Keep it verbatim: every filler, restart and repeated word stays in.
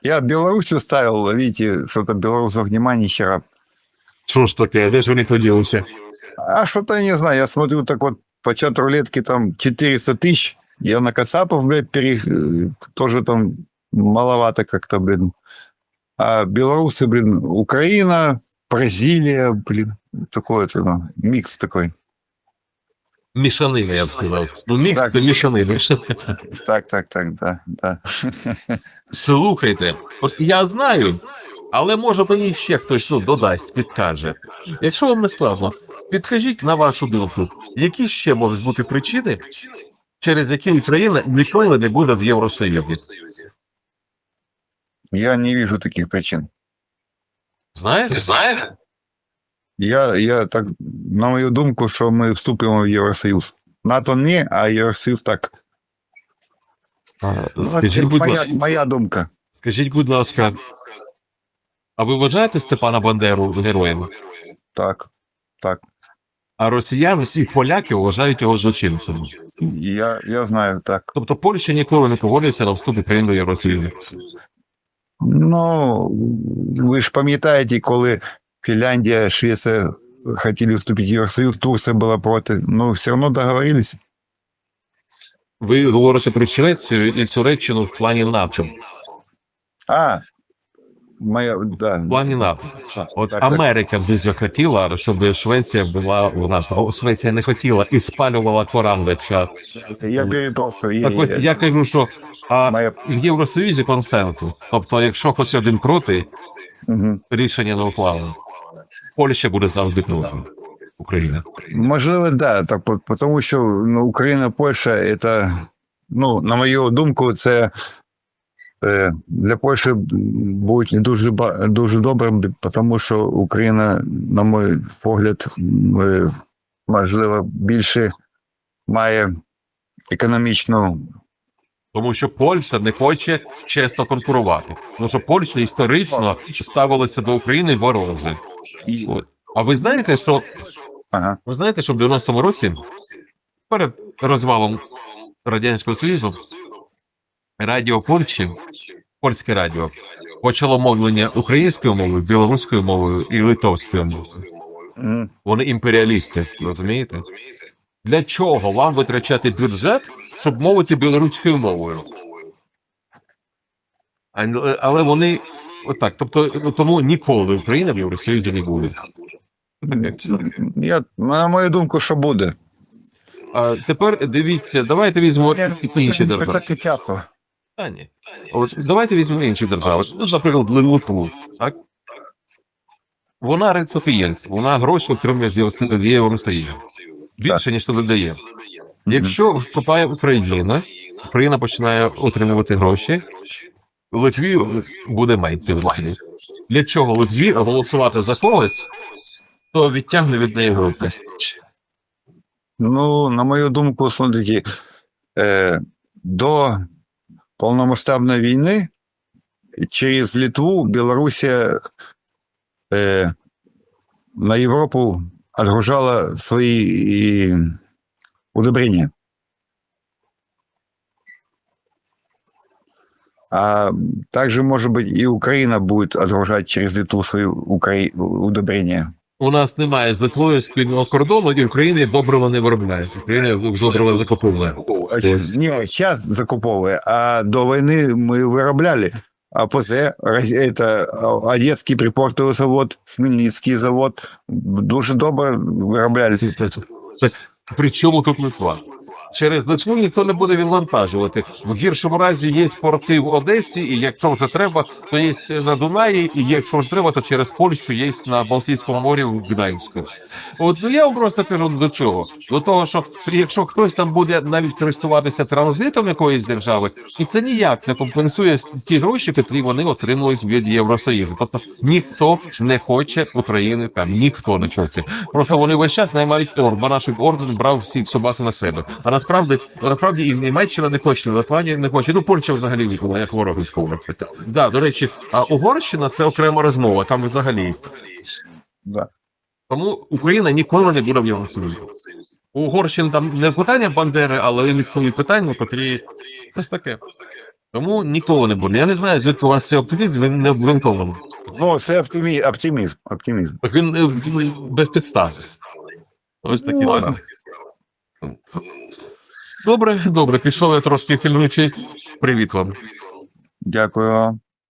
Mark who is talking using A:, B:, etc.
A: Я Белоруссию ставил, видите, что-то белорусов нема ни хера.
B: Що ж таке, де ж вони поділися?
A: А что-то не знаю, я смотрю, так вот, по чат рулетки там четыреста тысяч. Я на Кацапов, блядь, пере... тоже там маловато как-то, блин. А белорусы, блин, Украина, Бразилия, блин, такой это, ну, микс такой.
B: Мішанина, я б сказав. Ну, мікс
A: Так.
B: це мішанина.
A: Так, так, так, да, да.
B: Слухайте, от я знаю, але може мені ще хтось ну, додасть, підкаже. Якщо вам не складно, підкажіть на вашу думку, які ще можуть бути причини, через які Україна ніколи не буде в Євросоюзі?
A: Я не вижу таких причин.
B: Знаєте? Знаєте?
A: Я, я так, на мою думку, що ми вступимо в Євросоюз. НАТО не, а Євросоюз так. Ну,
B: Скажіть,
A: це
B: будь
A: моя,
B: ласка,
A: моя думка.
B: скажіть, будь ласка, а ви вважаєте Степана Бандеру героєм?
A: Так, так.
B: А росіяни, всі поляки вважають його злочинцем.
A: Я, я знаю, так.
B: Тобто Польща ніколи не погодиться на вступ України до Євросоюзу.
A: Ну, ви ж пам'ятаєте, коли Фінляндія, Швеція хотіли вступити в Євросоюз, Турція була проти. Ну, все одно договорились.
B: Ви говорите про Швецію і Туреччину в плані НАТО.
A: А, моя, да.
B: В плані НАТО. От
A: Так, так.
B: Америка дуже хотіла, щоб Швеція була у нас. А Швеція не хотіла і спалювала Коран весь час.
A: Я перепрошую.
B: Так ось я кажу, що а
A: Моя-
B: в Євросоюзі консенсус. Тобто, якщо хтось один проти,
A: Угу.
B: рішення не ухвалено. Польща буде завжди проти України.
A: Можливо, да, так, по- тому що ну, Україна, Польща, це, ну, на мою думку, це е, для Польщі буде не дуже, ба- дуже добре, тому що Україна, на мій погляд, е, можливо, більше має економічну.
B: Тому що Польща не хоче чесно конкурувати. Тому що Польща історично ставилася до України вороже.
A: І...
B: От. А ви знаєте, що
A: Ага.
B: ви знаєте, що в дев'яностому році, перед розвалом Радянського Союзу, радіо Польщі, польське радіо, почало мовлення українською мовою, білоруською мовою і литовською мовою.
A: Мгм.
B: Вони імперіалісти, розумієте? Для чого вам витрачати бюджет, щоб мовити білоруською мовою? А- Але вони отак, тобто тому ніколи Україна в Євросоюзі не буде.
A: Я, на мою думку, що буде.
B: А тепер дивіться, давайте візьмемо інші держави.
A: Трохи часу.
B: Та ні. От давайте візьмемо інші держави. Ну, наприклад, Литву, так? Вона реципієнт, вона гроші отримує з Євро- з Євросоюзу. Більше, ніж туди дає. Якщо вступає Україна, Україна починає отримувати гроші, Литві буде менше влади. Для чого Литві голосувати за когось, то відтягне від неї гроші.
A: Ну, на мою думку, смотрите, е, до повномасштабної війни через Литву Білорусія е, на Європу отгружала свої е, удобрения. А также, может быть, и Украина будет отгружать через Литву свои укра... удобрения.
B: У нас немає з Литвою спільного кордону, і України добрива не виробляє. Україна добрива закуповує.
A: Не, сейчас закуповывая, а до войны мы вырабляли. А после это Одесский припортовый завод, Хмельницкий завод дуже добре виробляли.
B: При чому тут Литва? Через Литву ніхто не буде відвантажувати. В гіршому разі є порти в Одесі, і якщо вже треба, то є на Дунаї, і якщо вже треба, то через Польщу є на Балтійському морі в Гданську. От ну, я вам просто кажу до чого? До того, що якщо хтось там буде навіть користуватися транзитом якоїсь держави, і це ніяк не компенсує ті гроші, які вони отримують від Євросоюзу. Тобто ніхто не хоче України там, ніхто не хоче. Просто вони весь час наймають Орбана, щоб Орбан брав всі собаки на себе. А насправді, насправді і Німеччина не хоче, і Латвія не хоче. Ну, Польща взагалі була як ворог військовий. Да, до речі, а Угорщина – це окрема розмова, там взагалі.
A: Да.
B: Тому Україна ніколи не буде в Євросоюзі. У Угорщини там не питання Бандери, але у них свої питання, котрі ось таке. Тому ніколи не буде. Я не знаю, звідки у вас цей оптимізм, він не обґрунтований.
A: Ну, це оптимізм, оптимізм, оптимізм.
B: Він, е, він без підстав. Ось такі
A: Ну,
B: справи. Добре, добре, пішов я трошки хильничий. Привіт вам.
A: Дякую вам.